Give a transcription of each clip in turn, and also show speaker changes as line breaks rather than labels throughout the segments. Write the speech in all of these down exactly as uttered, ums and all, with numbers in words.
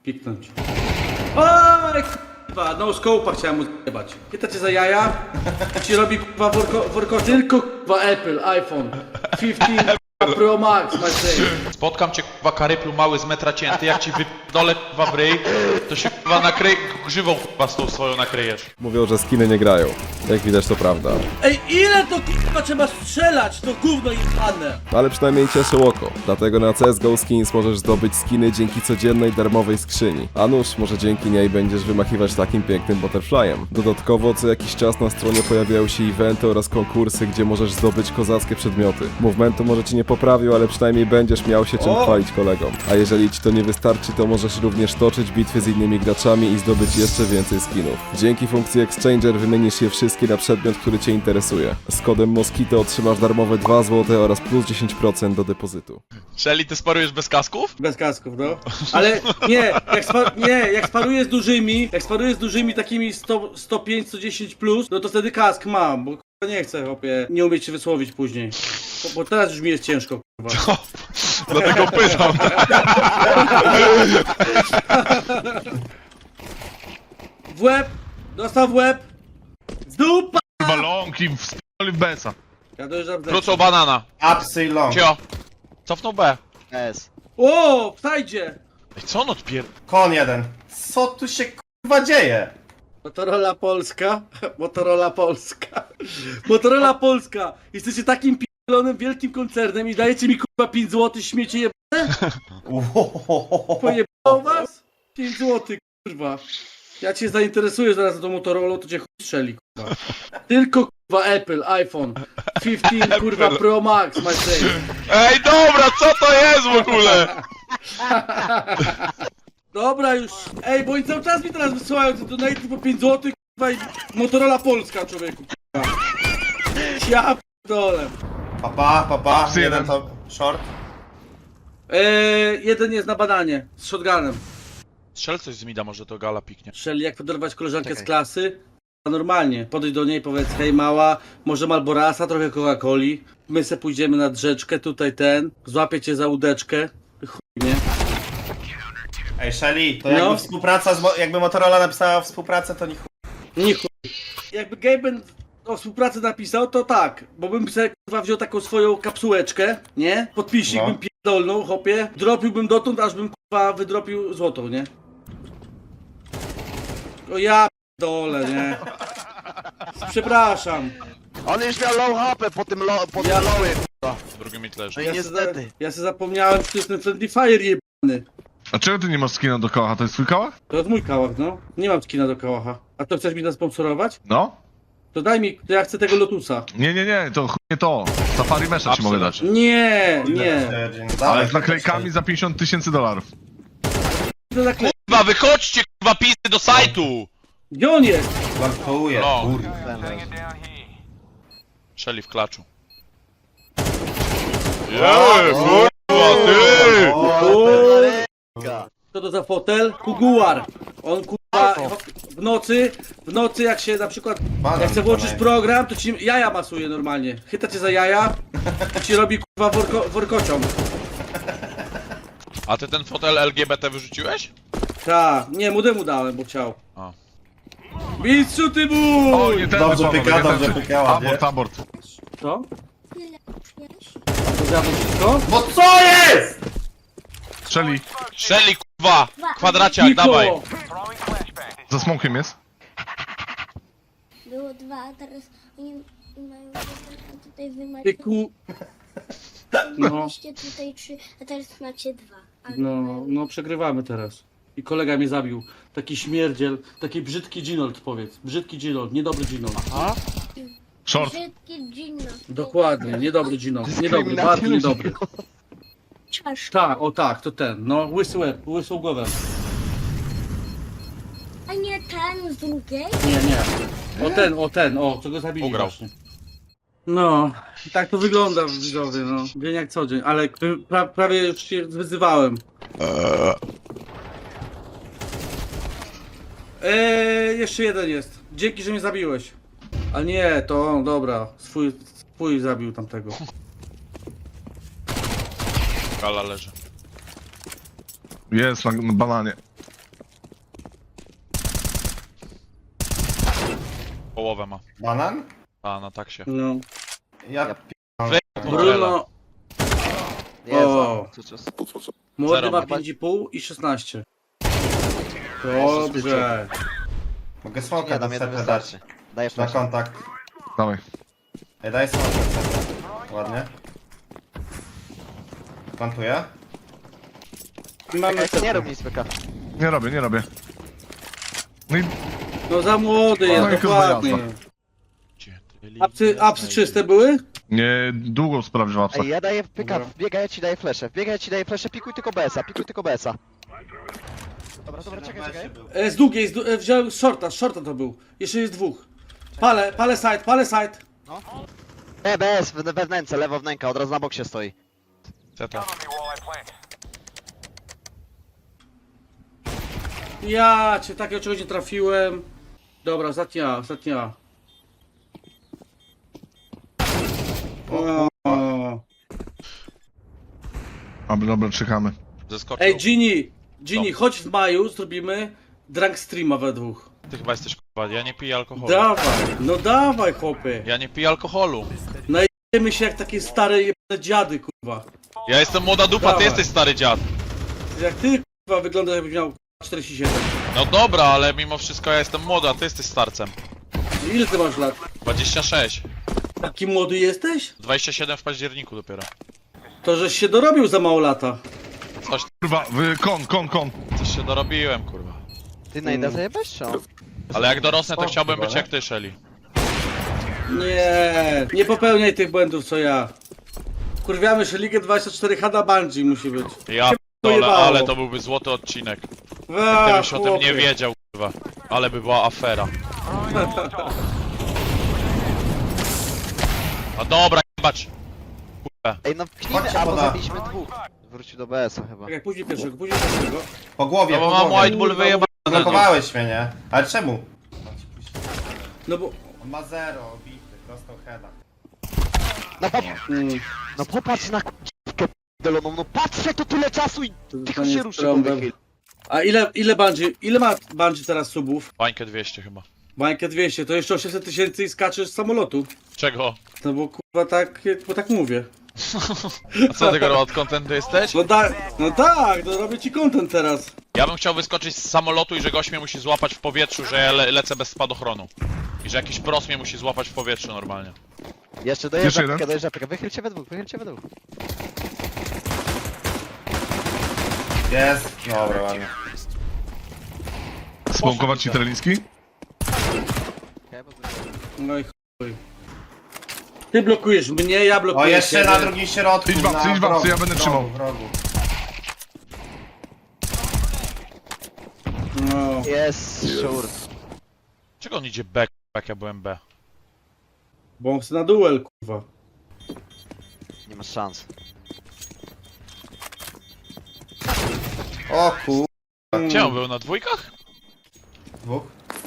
piknąć. Oj, k***wa, no scope'a chciałem mu zjebać. Pyta cię za jaja? Ci robi k***wa worko, worko, tylko k***wa Apple, iPhone piętnaście Pro Max, my friend.
Spotkam cię k***wa karyplu mały z metra cięty, jak ci wypdolę k***wa w ryj, to się k***wa nakryj, grzywą k***wa z tą swoją nakryjesz.
Mówią, że skiny nie grają. Jak widać to prawda.
Ej, ile to k***wa trzeba strzelać, to gówno jebane.
Ale przynajmniej cieszy oko. Dlatego na C S G O Skins możesz zdobyć skiny dzięki codziennej darmowej skrzyni. A nuż, może dzięki niej będziesz wymachiwać takim pięknym butterflyem. Dodatkowo co jakiś czas na stronie pojawiają się eventy oraz konkursy, gdzie możesz zdobyć kozackie przedmioty. Movementu może ci nie poprawił, ale przynajmniej będziesz miał się czym
O!
chwalić kolegom. A jeżeli ci to nie wystarczy, to możesz również toczyć bitwy z innymi graczami i zdobyć jeszcze więcej skinów. Dzięki funkcji Exchanger wymienisz je wszystkie na przedmiot, który cię interesuje. Z kodem Moskito otrzymasz darmowe dwa złote oraz plus dziesięć procent do depozytu.
Shelly, ty sparujesz bez kasków?
Bez kasków, no. Ale nie, jak, spa, nie, jak sparuję z dużymi, jak sparuję z dużymi takimi sto, sto pięć, sto dziesięć plus, no to wtedy kask mam, bo k***a nie chcę, chłopie, nie umieć się wysłowić później. Bo, bo teraz już mi jest ciężko, k***a.
Dlatego pytam.
W łeb! Dostał w łeb! Dupa!
Balonki w sp***li w besa.
Ja dojeżdżam z
Wrócą banana.
Upsy long.
Cio. Cofnął B.
S.
O, wstajdzie!
Ej, co on odpier...
Kon jeden. Co tu się kurwa dzieje?
Motorola Polska, Motorola Polska, Motorola Polska! Jesteście takim p***lonym wielkim koncernem i dajecie mi kurwa pięć złotych śmiecie jebane? Pojebało was? pięć złotych, kurwa. Ja cię zainteresuję zaraz tą Motorolą, to cię chuj strzeli, kurwa. Tylko kurwa Apple, iPhone piętnaście kurwa Pro Max, my friend.
Ej, dobra, co to jest w ogóle?
Dobra już, ej, bo oni cały czas mi teraz wysyłają te donaty po pięć złotych, kurwa i Motorola Polska, człowieku, kurwa. Ja p***dolę.
Papa, papa,
Upsy
jeden
jeden.
to short.
Eee, jeden jest na bananie, z shotgunem.
Strzel coś z mida, może to gala piknie.
Czyli jak poderwać koleżankę
Czekaj.
z klasy, to normalnie, podejdź do niej, powiedz, hej mała, może Malborasa, trochę Coca-Coli, my se pójdziemy nad rzeczkę, tutaj ten, złapię cię za łódeczkę, chuj, nie?
Ej, Shelly, to
No.
jakby współpraca z, mo- jakby Motorola napisała współpracę, to nie chuj.
Nie chuj. Jakby Gaben o współpracy napisał, to tak, bo bym sobie kurwa wziął taką swoją kapsułeczkę, nie? Podpisik
No.
bym pierdolnął, hopie, dropiłbym dotąd, aż bym kurwa wydropił złotą, nie? O ja dole, nie? Przepraszam.
On już miał low hapę po tym lo, po
Ja-
tym lowy.
W drugim mid leży.
No i
Ja se, za,
niestety.
ja se zapomniałem, że to jest ten Friendly Fire jebany.
A czego ty nie masz skina do koła? To jest twój koła?
To jest mój kałach, no. Nie mam skina do kałacha. A to chcesz mi nasponsorować?
No?
To daj mi, to ja chcę tego Lotusa.
Nie, nie, nie, to chuj nie to. Safari Mesha ci mogę dać.
Nie, nie.
Ale z naklejkami za pięćdziesiąt tysięcy dolarów.
To naklej...
Kurwa, wychodźcie kurwa pisy do sajtu!
Gdzie on jest?
Żartuję,
No.
kurwa.
Shelly w klaczu. Jeee, kurwa, ty!
Co to za fotel? Kuguar. On kurwa w nocy, w nocy jak się na przykład, jak chcę włączyć program, to ci jaja masuje normalnie. Chyta cię za jaja, to ci robi kurwa worko, workocią.
A ty ten fotel L G B T wyrzuciłeś?
Ta, nie, młodemu dałem, bo chciał.
A.
Mistrzu ty
O,
mój!
nie ten
Dobrze pyka, dobrze pykała,
Abort, abort.
Co? To zjadł wszystko?
Bo co jest?!
Shelly,
Shelly kurwa! Kwadraciak,
Niko!
dawaj!
za smokiem jest?
Było dwa, a teraz oni mają jeden, a tutaj wy macie...
Ty ku... No,
Mieliście tutaj trzy, a teraz macie dwa. A
no, no przegrywamy teraz. I kolega mnie zabił. Taki śmierdziel, taki brzydki Ginold powiedz. Brzydki Ginold, niedobry Ginold. Aha.
Short.
Brzydki Gino.
Dokładnie, niedobry Ginold. Niedobry, bardzo niedobry.
Czaszka.
Tak, o tak, to ten. No, łysy łeb, łysą głowę.
A nie ten z drugiej?
Nie, nie. O ten, o ten, o, co go zabili
Ugrał.
właśnie. No, i tak to wygląda widzowie, no. Dzień jak co dzień, ale pra, prawie już się wyzywałem. Eee, jeszcze jeden jest. Dzięki, że mnie zabiłeś. A nie, to on, dobra. Swój, swój zabił tamtego.
Gala leży.
Jest na na bananie.
połowę ma.
Banan?
A, na tak się.
No.
Ja
Ja
p***am.
Bruno,
Jezu.
O.
Co, co,
młody
Zero
ma
ma.
pięć i pół i szesnaście. Dobrze.
Mogę
Nie,
smoka do
dam jeden
C T dać.
wystarczy. Dajesz
Na
flash.
kontakt.
Dawaj.
Ej, daj smoka C T. Ładnie. Plantuję.
I mamy
Czekaj, nie
C T.
rób nic, Pyka.
Nie robię, nie robię. No i
No za młody jest,
No i kurwa
dokładnie.
jazda.
Gdzie ty
Apsy, apsy czyste były?
nie długo sprawdziłem apsa.
Ej, ja daję Pyka,
Dobra.
wbiegaj, ja ci daję flesze. Wbiegaj, ja ci daję flesze, pikuj tylko B S a, pikuj tylko B S a. Dobra, dobra, czekaj, czekaj.
E, z długiej, z du- e, wziąłem z shorta, z shorta to był. Jeszcze jest dwóch. Pale, pale side, pale side.
E, B S, we, we wnęce, lewo wnęka, od razu na boksie stoi.
Zeta.
Ja cię takiego czegoś nie trafiłem. Dobra, ostatnia, ostatnia. O, o.
Dobra, dobra, czekamy.
Zeskoczył.
Ej, Gini, Gini,
Co?
chodź w maju, zrobimy drunk streama we dwóch.
Ty chyba jesteś kurwa, ja nie piję alkoholu.
Dawaj, no dawaj chłopie.
Ja nie piję alkoholu.
Jemy się jak takie stare jebane dziady, kurwa.
Ja jestem młoda dupa, ty
Dawaj.
jesteś stary dziad.
Jak ty, kurwa, wyglądasz jakbyś miał czterdzieści siedem.
No dobra, ale mimo wszystko ja jestem młoda, a ty jesteś starcem.
Ile ty masz lat?
dwadzieścia sześć.
Taki młody jesteś?
dwadzieścia siedem w październiku dopiero.
To żeś się dorobił za mało lata.
Coś,
Kurwa, wy, kon, kon, kon.
coś się dorobiłem, kurwa.
Ty najda zajebesz, czy on?
Ale jak dorosnę, to
O,
chciałbym
chyba,
być
nie?
jak ty, Shelly.
Nie, nie popełniaj tych błędów co ja. Kurwiamy się Ligę dwadzieścia cztery H na Bungie musi być.
Ja
Się
dole,
pojebało.
ale to byłby złoty odcinek.
A,
Gdybyś o tym
chłopie.
nie wiedział, kurwa. Ale by była afera. A dobra, jebać. Kurwa.
Ej, no pchnijmy,
Chodźcie,
albo
poda.
zabiliśmy dwóch. Wrócił do B S a chyba.
Czekaj, później pierwszego, później pierwszego.
Po głowie,
No bo
po
mam
głowie.
White Bull wyjebane.
Blokowałeś mnie, nie? Ale czemu?
No bo...
On ma zero, obity, prosto heada.
No, pop
Mm,
no popatrz na k***kę p***loną, no patrzę to tyle czasu i
to
tylko
nie
się
jest
ruszy,
trąbem.
wychyl.
A ile, ile Bungie, ile ma Bungie teraz subów?
Bańkę dwieście chyba.
Bańkę dwieście, to jeszcze osiemset tysięcy i skaczesz z samolotu.
Czego?
No bo kurwa tak, bo tak mówię.
A co ty kurwa od kontentu jesteś?
No, da, no tak, no robię ci content teraz.
Ja bym chciał wyskoczyć z samolotu i że gość mnie musi złapać w powietrzu, że ja le lecę bez spadochronu. I że jakiś pros mnie musi złapać w powietrzu normalnie.
Jeszcze
Jeszcze
dojeżdża
jeden?
Pyka, dojeżdża Pyka, wychylcie we dwóch, wychylcie we dwóch.
Jest, dobra, ładnie.
Smokować ci treliski?
Okej, bo to-
No i chuj. Ty blokujesz mnie, ja blokuję
O, jeszcze
ciebie.
na drugim środku.
Idź babcy,
na
idź babcy,
wrogu,
ja będę
wrogu,
trzymał.
wrogu.
No.
Jest, sure.
Czego on idzie B, jak ja byłem B?
Bo on chce na duel, kurwa.
Nie masz szans.
O kur...
Gdzie on był? Na dwójkach?
Dwóch.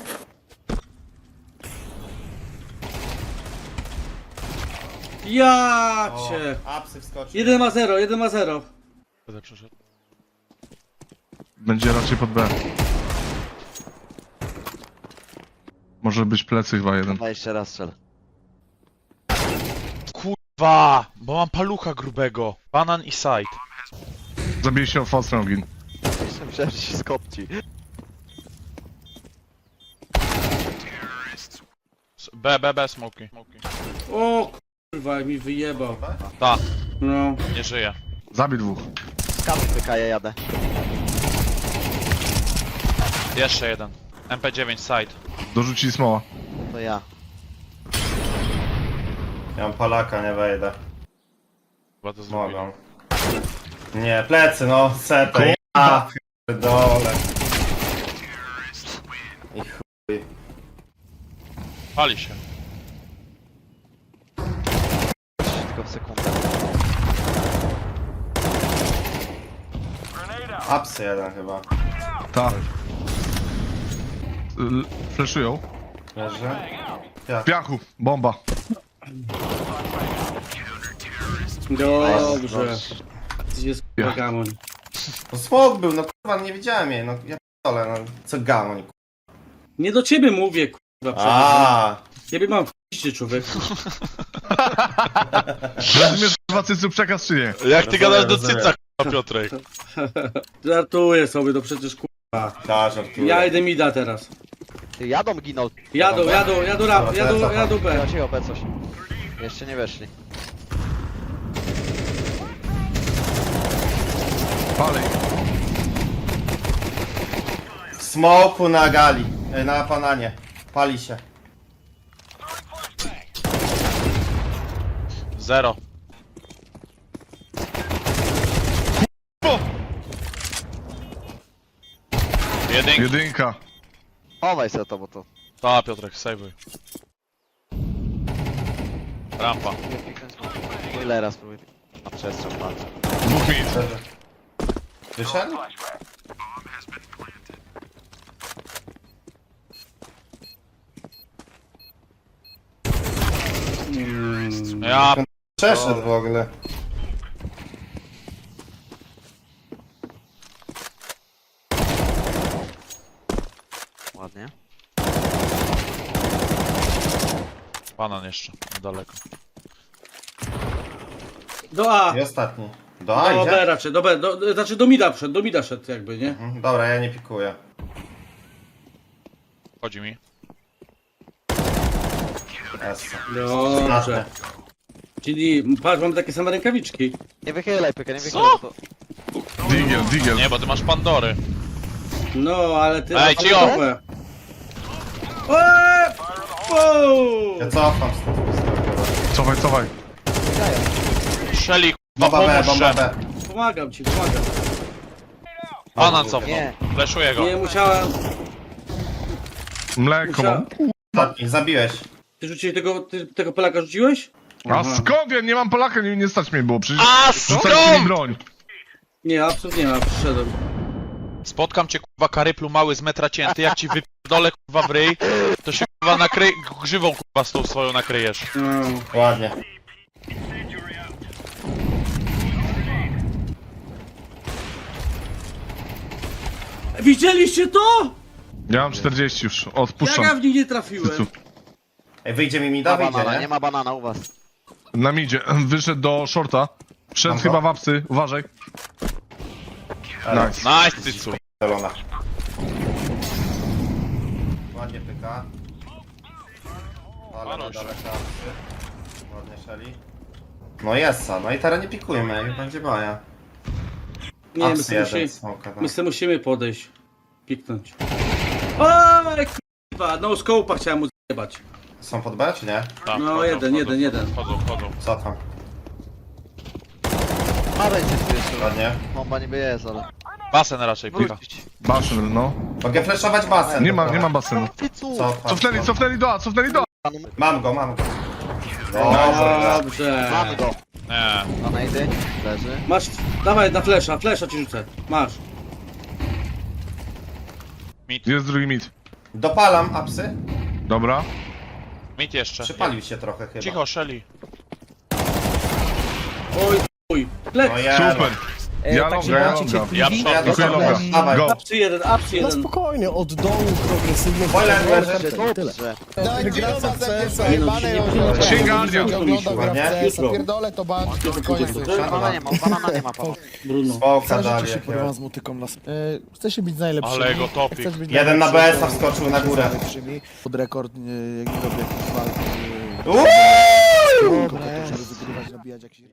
Ja
O,
cię.
apsy wskoczył.
jeden ma zero, jeden ma zero.
Będę przeszedł.
Będzie raczej pod B. Może być plecy chyba jeden.
Dwa jeszcze raz strzel.
Kurwa! Bo mam palucha grubego. Banan i side.
Zabij się Fostrongin.
Jeszcze myślałem, że się skopci.
S- B, B, B, smoki. Smoki.
O kurwa, jak mi wyjebał.
Ta,
No.
nie żyje.
Zabij dwóch.
Skanuj Pyka, ja jadę.
Jeszcze jeden. M P dziewięć side.
Dorzucili smoła.
To ja.
Ja mam Polaka, nie wejdę.
Chyba to zrobili.
Mogą. Nie, plecy, no, setę. Ja dole. I chuj.
Pali się.
Tylko w sekundę.
Apsy jeden chyba.
Ta. L- Fleszują.
Leży.
W piachu. Bomba.
Dobrze. Jest kurwa
Ja.
gamoń.
No smok był, no kurwa, nie widziałem jej, no ja p***dolę, no. Co gamoń, kurwa.
Nie do ciebie mówię, kurwa. przecież.
A,
Ciebie mam w człowiek.
Rozumiesz kurwa cycu przekaz czy nie?
Jak ty gadasz do
rozumiem.
cyca, k***a, Piotrek?
Żartuję sobie, to przecież kurwa.
Ta, żartuję.
Ja idę mida teraz.
Ty, jadą ginął.
Jadą, jadą, jadą rap, jadą, jadą B.
Cicho, cicho, B coś. Jeszcze nie weszli.
Palej.
Smoku na gali, e, na pananie. Pali się.
Zero.
O!
Jedynka.
Jedynka.
Chowaj se to, bo to...
Ta, Piotrek, sejwuj. Rampa.
Spoilera spróbuj. Na przestrzał patrz.
Dwóch mit.
Wyszedł?
Mm.
Ja
Przeszedł w ogóle.
Ładnie.
banan jeszcze, niedaleko.
Do A.
I ostatni. Do
Do
A
B
idzie?
raczej, do B, do, znaczy do mida wszedł, do mida szedł jakby, nie?
Mhm, dobra, ja nie pikuję.
Chodzi mi.
Essa.
Dobrze. Czyli, patrz, mamy takie same rękawiczki.
Nie wychylaj pyka, nie wychylaj,
Co?
bo to...
Digiel, digiel.
Nie, bo ty masz Pandory.
No, ale ty...
Ej, cicho!
Eee! Wow!
Ja cofam stąd.
Cofaj, cofaj.
Shelly,
Bomba
k***a,
B, bomba
pomóż
B.
Pomagam ci, pomagam.
Banan cofnął.
Nie.
Fleszuję go.
Nie, musiałem...
Mleko mam.
musiałem...
Ostatni, zabiłeś.
Ty rzuciłeś tego, ty tego Polaka rzuciłeś?
A skąd ja nie mam Polaka, nie, nie stać mnie było, przecież
A
rzucaliście mi
skąd?
broń.
Nie, absolutnie nie ma, przyszedłem.
Spotkam cię, kurwa, karyplu mały z metra cięty, jak ci wypierdolę, kurwa, w ryj, to się, kurwa, nakryj... grzywą, kurwa, z tą swoją nakryjesz.
No.
Ładnie.
Widzieliście to?
Ja mam czterdzieści już,
Jak ja
odpuszczam.
w nich nie trafiłem?
Cycu.
Ej, wyjdzie mi
Ma
mida, wyjdzie,
banana,
nie?
nie ma banana u was.
Na midzie, wyszedł do shorta. Wszedł
Aha.
chyba w apsy, uważaj.
Ale-
Nice.
Nice, cycu.
Zelona. Ładnie pyka. Ale na
Maruś.
daleka. Ładnie szeli. No jest, no i teraz nie pikujmy, jak będzie baja.
Nie, my
Apsy
sobie,
jeden,
musimy,
smoka, tak.
my sobie musimy podejść. Piknąć. Oj, k***wa, no scope'a chciałem mu zjebać.
Są pod B, czy nie?
Tak,
No,
wchodzą,
jeden,
wchodzą,
jeden, jeden.
Wchodzą, wchodzą.
Co tam?
A będzie tu jeszcze.
Ładnie.
Bomba niby jest, ale...
Basen raczej, pika.
Wrócić.
Basen, no.
Mogę flashować basen.
Nie ma,
dobra.
nie ma basenu.
Ty cu!
Co tam?
Cofnęli, cofnęli do A, cofnęli do A.
Mam go, mam go. Dobra.
Dobrze.
Mamy go.
Nie.
Na najdy. Leży.
Masz, dawaj na flesza, flesza ci rzucę. Masz.
Jest drugi mit.
Dopalam apsy.
Dobra.
Mit jeszcze.
Przypalił się trochę chyba.
Cicho, Shelly.
Oj, chuj. Plec.
No ja.
Super. Ja
tak, że
longa, ja
macie
longa.
cierpliwość.
Ja
Ja
przodem.
Dziękuję,
dopalam.
Loga.
Dawaj.
Go.
Apsy jeden, apsy
No
jeden.
spokojnie, od dołu progresywnie.
Wolę leży.
Dobrze, dobrze.
Wygrana w C S a,
Nie no,
jebane
się nie
ją
pilnuj.
Księga Ardia.
ogląda gra w
Ładnie.
C S a, pierdolę to ban, koniec.
Banana nie ma, banana nie ma, Paweł.
Bruno.
Smoka
Zależy
dali.
się
jak
kurwa
ja.
z motyką na... E, chce się być najlepszy.
Ale go topik.
Jeden na B S a wskoczył na górę.
Pod rekord, e, jak nie robię jakichś walk.
Uuu!
Trzeba rozgrywać, nabijać jakiś...